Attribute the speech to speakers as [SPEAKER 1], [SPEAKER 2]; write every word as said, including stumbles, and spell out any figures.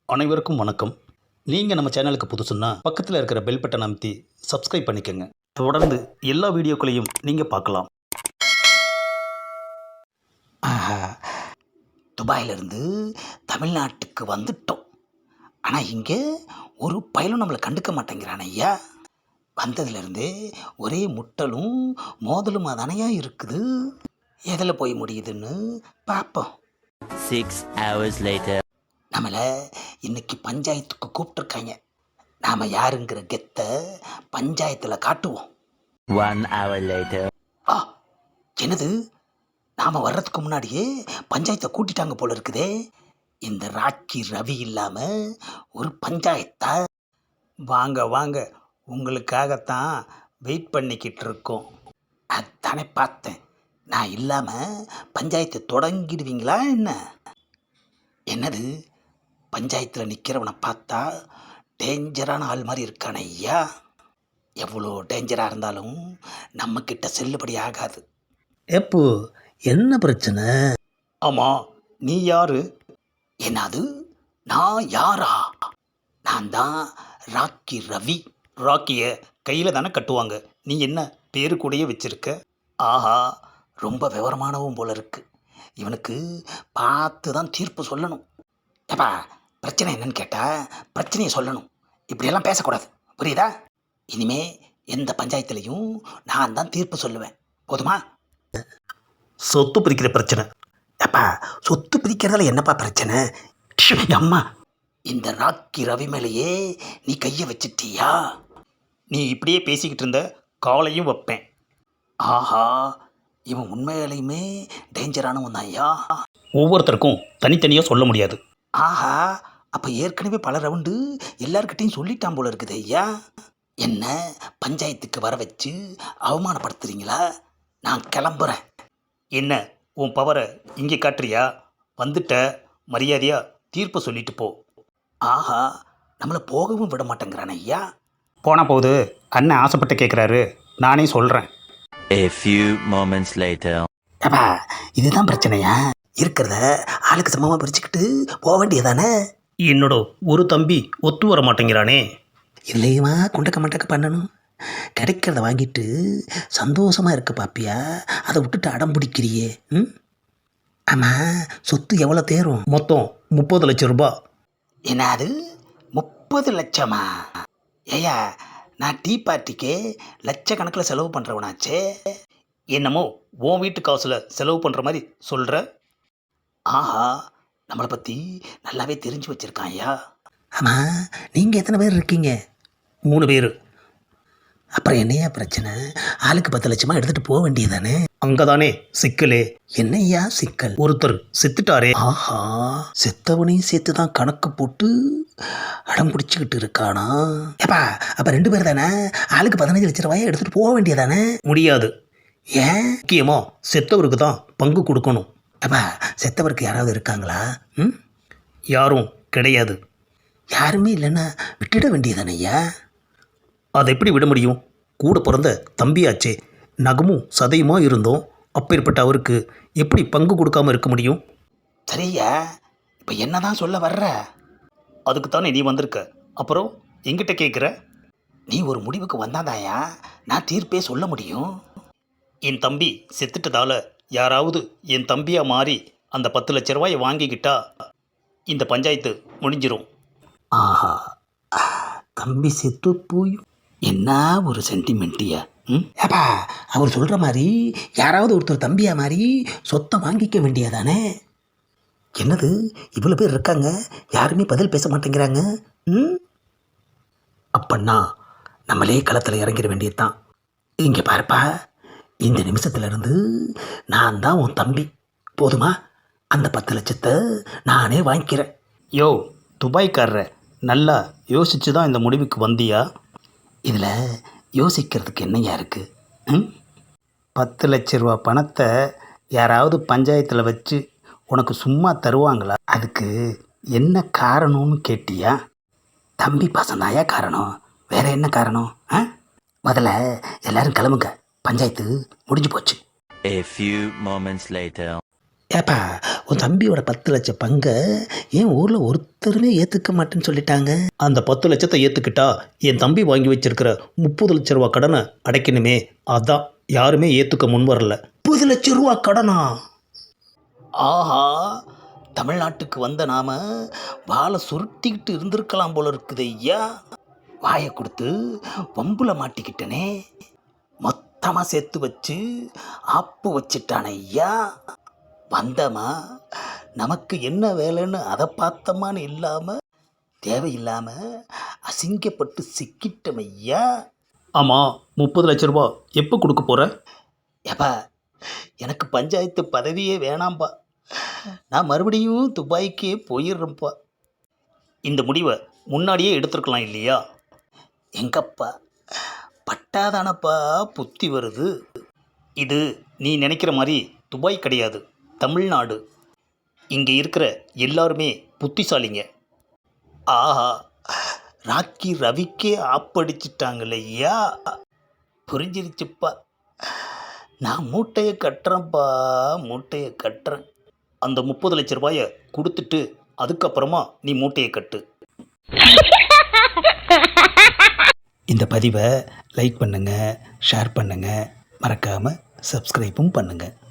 [SPEAKER 1] அனைவருக்கும் வணக்கம். நீங்கள் நம்ம சேனலுக்கு புதுசுன்னா பக்கத்தில் இருக்கிற பெல் பட்டன் அமைத்தி சப்ஸ்கிரைப் பண்ணிக்கோங்க. தொடர்ந்து எல்லா வீடியோக்களையும் நீங்கள் பார்க்கலாம்.
[SPEAKER 2] ஆஹா, துபாயிலிருந்து தமிழ்நாட்டுக்கு வந்துட்டோம். ஆனால் இங்கே ஒரு பயலும் நம்மளை கண்டுக்க மாட்டேங்கிறான் ஐயா. வந்ததுலேருந்து ஒரே முட்டலும் மோதலுமா தானையா இருக்குது. எதில் போய் முடியுதுன்னு பார்ப்போம்.
[SPEAKER 3] Six hours later.
[SPEAKER 2] நம்மளை இன்னைக்கு பஞ்சாயத்துக்கு கூப்பிட்டுருக்காங்க. நாம் யாருங்கிற கெத்தை பஞ்சாயத்தில் காட்டுவோம்.
[SPEAKER 3] One hour later.
[SPEAKER 2] ஆ, என்னது, நாம் வர்றதுக்கு முன்னாடியே பஞ்சாயத்தை கூட்டிட்டாங்க போல இருக்குதே. இந்த ராக்கி ரவி இல்லாமல் ஒரு பஞ்சாயத்தா? வாங்க வாங்க, உங்களுக்காகத்தான் வெயிட் பண்ணிக்கிட்டு இருக்கோம். அதானே பார்த்தேன், நான் இல்லாமல் பஞ்சாயத்தை தொடங்கிடுவீங்களா என்ன? என்னது, பஞ்சாயத்தில் நிற்கிறவனை பார்த்தா டேஞ்சரான ஆள் மாதிரி இருக்கான ஐயா. எவ்வளோ டேஞ்சராக இருந்தாலும் நம்மக்கிட்ட செல்லுபடி ஆகாது.
[SPEAKER 1] எப்போ என்ன பிரச்சனை? ஆமாம், நீ யாரு?
[SPEAKER 2] என்னது, நான் யாரா? நான் தான் ராக்கி ரவி.
[SPEAKER 1] ராக்கியை கையில் தானே கட்டுவாங்க, நீ என்ன பேரு கூடயே வச்சிருக்க?
[SPEAKER 2] ஆஹா, ரொம்ப விவரமானவும் போல இருக்கு. இவனுக்கு பார்த்து தான் தீர்ப்பு சொல்லணும். ஏப்பா, பிரச்சனை என்னன்னு கேட்டால் பிரச்சனையை சொல்லணும். இப்படியெல்லாம் பேசக்கூடாது, புரியுதா? இனிமே எந்த பஞ்சாயத்துலேயும் நான் தான் தீர்ப்பு சொல்லுவேன், போதுமா?
[SPEAKER 1] சொத்து பிரிக்கிற பிரச்சனை.
[SPEAKER 2] ஏப்பா, சொத்து பிரிக்கிறதுல என்னப்பா பிரச்சனை? ஷு, அம்மா, இந்த ராக்கி ரவி மேலேயே நீ கையை வச்சிட்டியா?
[SPEAKER 1] நீ இப்படியே பேசிக்கிட்டு இருந்த காலையும் வைப்பேன்.
[SPEAKER 2] ஆஹா, இவன் உண்மையிலையுமே டேஞ்சரானவன் தான் ஐயா.
[SPEAKER 1] ஒவ்வொருத்தருக்கும் தனித்தனியாக சொல்ல முடியாது.
[SPEAKER 2] ஆஹா, அப்போ ஏற்கனவே பல ரவுண்டு எல்லார்கிட்டையும் சொல்லிட்டான் போல இருக்குது ஐயா. என்ன பஞ்சாயத்துக்கு வர வச்சு அவமானப்படுத்துறீங்களா? நான் கிளம்புறேன்.
[SPEAKER 1] என்ன உன் பவரை இங்கே காட்டுறியா? வந்துட்ட, மரியாதையா தீர்ப்பு சொல்லிட்டு போ.
[SPEAKER 2] ஆஹா, நம்மளை போகவும் விட மாட்டேங்கிறான் ஐயா.
[SPEAKER 1] போனால் போகுது, அண்ணன் ஆசைப்பட்டு கேட்குறாரு, நானே சொல்கிறேன்.
[SPEAKER 3] A few moments later.
[SPEAKER 2] ஏப்பா, இதுதான் பிரச்சனையா? இருக்கிறத ஆளுக்கு சமமாக பிரிச்சுக்கிட்டு போக வேண்டியதானே?
[SPEAKER 1] என்னோட ஒரு தம்பி ஒத்து வர மாட்டேங்கிறானே.
[SPEAKER 2] இல்லையுமா குண்டக்க மண்டக்க பண்ணணும். கிடைக்கிறத வாங்கிட்டு சந்தோஷமாக இருக்க பாப்பியா, அதை விட்டுட்டு அடம் பிடிக்கிறியே. ம், ஆமாம், சொத்து எவ்வளோ தேரும்?
[SPEAKER 1] மொத்தம் முப்பது லட்சம் ரூபாய்.
[SPEAKER 2] என்னது, முப்பது லட்சமா? ஏயா, நான் டீ பார்ட்டிக்கே லட்சக்கணக்கில் செலவு பண்ணுறவனாச்சே.
[SPEAKER 1] என்னமோ உன் வீட்டு காசில் செலவு பண்ணுற மாதிரி சொல்கிற.
[SPEAKER 2] ஆஹா, நம்மளை பற்றி நல்லாவே தெரிஞ்சு வச்சுருக்கான் ஐயா. ஆமாம், நீங்கள் எத்தனை பேர் இருக்கீங்க?
[SPEAKER 1] மூணு பேர்.
[SPEAKER 2] அப்புறம் என்னையா பிரச்சனை? ஆளுக்கு பத்து லட்சமாக எடுத்துகிட்டு போக வேண்டியதானே?
[SPEAKER 1] அங்கே தானே சிக்கலே.
[SPEAKER 2] என்னையா சிக்கல்?
[SPEAKER 1] ஒருத்தர் செத்துட்டாரே.
[SPEAKER 2] ஆஹா, செத்தவனையும் சேர்த்து தான் கணக்கு போட்டு அடம் பிடிச்சிக்கிட்டு இருக்கானா? ஏப்பா, அப்போ ரெண்டு பேர் தானே? ஆளுக்கு பதினஞ்சு லட்ச ரூபாயை எடுத்துகிட்டு போக வேண்டியதானே?
[SPEAKER 1] முடியாது.
[SPEAKER 2] ஏன்?
[SPEAKER 1] முக்கியமாக செத்தவருக்கு தான் பங்கு கொடுக்கணும்.
[SPEAKER 2] அப்பா, செத்தவருக்கு யாராவது இருக்காங்களா? ம்,
[SPEAKER 1] யாரும் கிடையாது.
[SPEAKER 2] யாருமே இல்லைன்னா விட்டுட வேண்டியதானே ஐயா?
[SPEAKER 1] அதை எப்படி விட முடியும்? கூட பிறந்த தம்பியாச்சே, நகமும் சதையுமா இருந்தோம். அப்பேற்பட்ட அவருக்கு எப்படி பங்கு கொடுக்காம இருக்க முடியும்?
[SPEAKER 2] சரியா, இப்போ என்ன தான் சொல்ல வர்ற?
[SPEAKER 1] அதுக்கு தானே நீ வந்திருக்க, அப்புறம் எங்கிட்ட கேட்குற?
[SPEAKER 2] நீ ஒரு முடிவுக்கு வந்தாதாயா நான் தீர்ப்பே சொல்ல முடியும்.
[SPEAKER 1] என் தம்பி செத்துட்டதால யாராவது என் தம்பியாக மாறி அந்த பத்து லட்ச ரூபாயை வாங்கிக்கிட்டா இந்த பஞ்சாயத்து முடிஞ்சிரும்.
[SPEAKER 2] ஆஹா, தம்பி செத்து போய் என்ன ஒரு சென்டிமெண்ட்டியா? ம், ஏப்பா, அவர் சொல்கிற மாதிரி யாராவது ஒருத்தர் தம்பியா மாதிரி சொத்தை வாங்கிக்க வேண்டியதானே? என்னது, இவ்வளோ பேர் இருக்காங்க, யாருமே பதில் பேச மாட்டேங்கிறாங்க. ம், அப்பன்னா நம்மளே களத்தில் இறங்கிட வேண்டியது தான். இங்கே பாருப்பா, இந்த நிமிஷத்துலேருந்து நான் தான் உன் தம்பி, போதுமா? அந்த பத்து லட்சத்தை நானே வாங்கிக்கிறேன்.
[SPEAKER 1] யோ துபாய்க்காரர, நல்லா யோசிச்சு தான் இந்த முடிவுக்கு வந்தியா?
[SPEAKER 2] இதில் யோசிக்கிறதுக்கு என்னையா இருக்குது? ம்,
[SPEAKER 1] பத்து லட்ச ரூபா பணத்தை யாராவது பஞ்சாயத்தில் வச்சு உனக்கு சும்மா தருவாங்களா?
[SPEAKER 2] அதுக்கு என்ன காரணம்னு கேட்டியா? தம்பி பாசந்தாயா காரணம், வேற என்ன காரணம்? ஆ, முதல்ல எல்லாரும் கிளம்புங்க, பஞ்சாயத்து முடிஞ்சு போச்சு.
[SPEAKER 3] A few moments later.
[SPEAKER 2] ஏப்பா, உன் தம்பியோட பத்து லட்சம் பங்கை ஏன் ஊரில் ஒருத்தருமே ஏற்றுக்க மாட்டேன்னு சொல்லிட்டாங்க.
[SPEAKER 1] அந்த பத்து லட்சத்தை ஏற்றுக்கிட்டா என் தம்பி வாங்கி வச்சிருக்கிற முப்பது லட்ச ரூபா கடனை அடைக்கணுமே, அதான் யாருமே ஏற்றுக்க முன் வரல.
[SPEAKER 2] முப்பது லட்சம் ரூபா கடனா? ஆஹா, தமிழ்நாட்டுக்கு வந்த நாம வாழை சுருட்டிக்கிட்டு இருந்திருக்கலாம் போல இருக்குது ஐயா. வாயை கொடுத்து வம்புல மாட்டிக்கிட்டனே. மொத்தமாக சேர்த்து வச்சு ஆப்பு வச்சிட்டான ஐயா. வந்தமா நமக்கு என்ன வேலைன்னு அதை பார்த்தமான்னு இல்லாமல் தேவையில்லாமல் அசிங்கப்பட்டு சிக்கிட்டோம் ஐயா.
[SPEAKER 1] ஆமாம், முப்பது லட்ச ரூபா எப்போ கொடுக்க போகிற?
[SPEAKER 2] ஏப்பா, எனக்கு பஞ்சாயத்து பதவியே வேணாம்ப்பா. நான் மறுபடியும் துபாய்க்கே போயிடுறேன்ப்பா.
[SPEAKER 1] இந்த முடிவை முன்னாடியே எடுத்துருக்கலாம் இல்லையா?
[SPEAKER 2] எங்கப்பா, பட்டாதானப்பா புத்தி வருது.
[SPEAKER 1] இது நீ நினைக்கிற மாதிரி துபாய் கிடையாது, தமிழ்நாடு. இங்கே இருக்கிற எல்லாருமே புத்திசாலிங்க.
[SPEAKER 2] ஆஹா, ராக்கி ரவிக்கே ஆப்படிச்சிட்டாங்களையா. புரிஞ்சிருச்சுப்பா. நான் மூட்டையை கட்டுறேன்ப்பா, மூட்டையை கட்டுறேன்.
[SPEAKER 1] அந்த முப்பது லட்ச ரூபாயை கொடுத்துட்டு அதுக்கப்புறமா நீ மூட்டையை கட்டு.
[SPEAKER 2] இந்த பதிவை லைக் பண்ணுங்கள், ஷேர் பண்ணுங்கள், மறக்காமல் சப்ஸ்கிரைப்பும் பண்ணுங்கள்.